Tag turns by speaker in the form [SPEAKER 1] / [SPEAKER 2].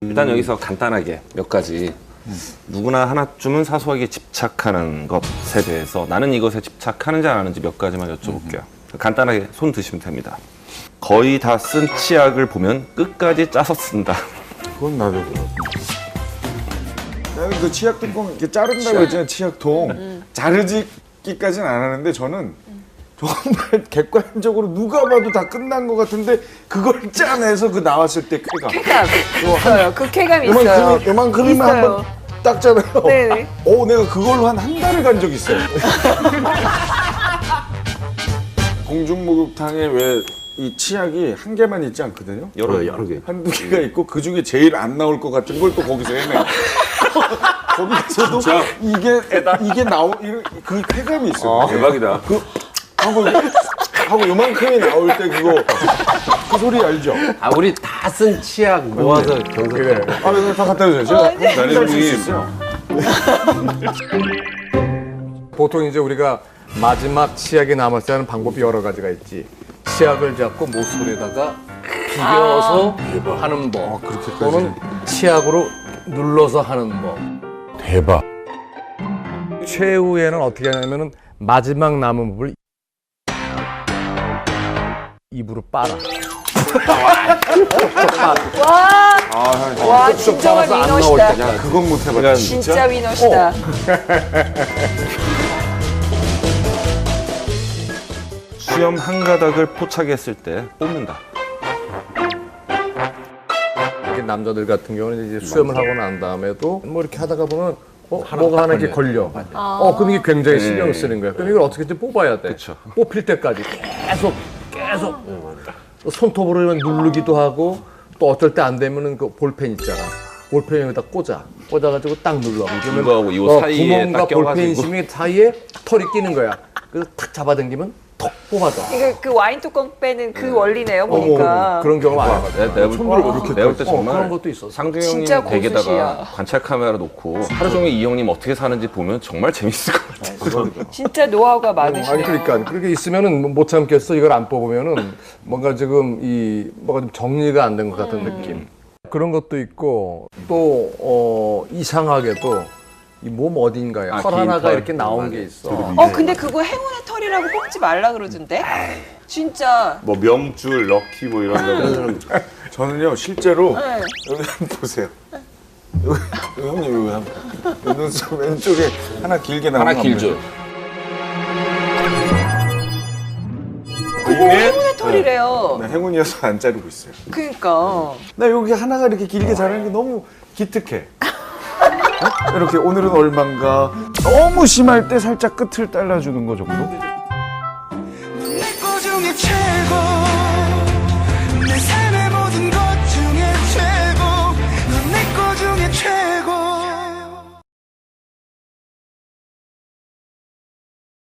[SPEAKER 1] 일단 여기서 간단하게 몇 가지 누구나 하나쯤은 사소하게 집착하는 것에 대해서 나는 이것에 집착하는지 안 하는지 몇 가지만 여쭤볼게요. 간단하게 손 드시면 됩니다. 거의 다 쓴 치약을 보면 끝까지 짜서 쓴다.
[SPEAKER 2] 그건 나도 그렇고. 나는 그 치약 뚜껑 이렇게 자른다고 했잖아요. 치약통. 자르기까지는 안 하는데 저는 정말 객관적으로 누가 봐도 다 끝난 것 같은데 그걸 짜내서 그 나왔을 때 쾌감.
[SPEAKER 3] 쾌감 있어요. 그 쾌감이 있어요.
[SPEAKER 2] 요만큼이만
[SPEAKER 3] 있어요.
[SPEAKER 2] 한번 닦잖아요.
[SPEAKER 3] 네네.
[SPEAKER 2] 내가 그걸로 한 달을 간 적 있어요. 공중목욕탕에 왜 이 치약이 한 개만 있지 않거든요?
[SPEAKER 1] 여러 개.
[SPEAKER 2] 한두 개가 있고 그 중에 제일 안 나올 것 같은 걸 또 거기서 해내. 거기서도 이게 그 쾌감이 있어요.
[SPEAKER 1] 대박이다.
[SPEAKER 2] 하고 요만큼이 나올 때 그 소리 알죠?
[SPEAKER 4] 아, 우리 다 쓴 치약 모아서 경서.
[SPEAKER 2] 그래. 그래서 다 갖다 주세요. 제가 한달 쓸 수 있어요.
[SPEAKER 5] 보통 이제 우리가 마지막 치약이 남았을 때 하는 방법이 여러 가지가 있지. 치약을 잡고 모서리에다가 비벼서 하는 법. 또는 치약으로 눌러서 하는 법.
[SPEAKER 2] 대박.
[SPEAKER 5] 최후에는 어떻게 하냐면은 마지막 남은 부분을 입으로 빨아.
[SPEAKER 3] 와 진정한 위너시다.
[SPEAKER 2] 그건 못 해봤다.
[SPEAKER 3] 진짜 위너시다.
[SPEAKER 1] 수염 한 가닥을 포착했을 때 뽑는다.
[SPEAKER 5] 이게 남자들 같은 경우는 이제 수염을 하고 난 다음에도 뭐 이렇게 하다가 보면 뭐가 하나 이렇게 걸려. 그럼 이게 굉장히 신경 쓰는 거야. 그럼 이걸 어떻게든 뽑아야 돼.
[SPEAKER 1] 그쵸.
[SPEAKER 5] 뽑힐 때까지 계속 손톱으로 누르기도 하고 또 어떨 때 안 되면은 그 볼펜 있잖아. 볼펜 여기다 꽂아가지고 딱 눌러.
[SPEAKER 1] 이거하고 이거 사이에
[SPEAKER 5] 구멍과
[SPEAKER 1] 딱
[SPEAKER 5] 볼펜
[SPEAKER 1] 껴가지고.
[SPEAKER 5] 심이 사이에 털이 끼는 거야. 그래서 탁 잡아당기면 톡 뽑아져.
[SPEAKER 3] 이거 그 와인 뚜껑 빼는 그 원리네요 보니까.
[SPEAKER 5] 그런 경우 많아가지고.
[SPEAKER 1] 내볼 때
[SPEAKER 5] 그런
[SPEAKER 1] 정말
[SPEAKER 5] 것도 있었어.
[SPEAKER 1] 상대
[SPEAKER 3] 진짜
[SPEAKER 1] 형님 댁에다가
[SPEAKER 3] 고수시야.
[SPEAKER 1] 관찰 카메라 놓고 하루 종일 이 형님 어떻게 사는지 보면 정말 재밌을 것 같아요.
[SPEAKER 3] 진짜 노하우가
[SPEAKER 5] 아니
[SPEAKER 3] 많으시네요.
[SPEAKER 5] 그러니까 그렇게 있으면은 못 참겠어. 이걸 안 뽑으면은 뭔가 지금 뭐가 좀 정리가 안 된 것 같은 느낌. 그런 것도 있고 또 이상하게도 이 몸 어딘가에 털
[SPEAKER 1] 긴
[SPEAKER 5] 하나가
[SPEAKER 1] 털.
[SPEAKER 5] 이렇게 나온 게 있어.
[SPEAKER 3] 근데 그거 행운의 털이라고 뽑지 말라 그러던데? 진짜.
[SPEAKER 6] 뭐 명줄, 럭키 뭐 이런 거.
[SPEAKER 2] 저는요 실제로
[SPEAKER 3] 네.
[SPEAKER 2] 여기 한번 보세요. 여기 형님 여기 한번 눈썹 왼쪽에 하나 길게 나온
[SPEAKER 1] 하나 길죠.
[SPEAKER 3] 그거 행운의 털이래요.
[SPEAKER 2] 나 행운이어서 안 자르고 있어요.
[SPEAKER 3] 그러니까.
[SPEAKER 2] 나 여기 하나가 이렇게 길게 자라는 게 너무 기특해. 이렇게 오늘은 얼만가 너무 심할 때 살짝 끝을 잘라주는 거 정도?
[SPEAKER 7] 내 거 중에 최고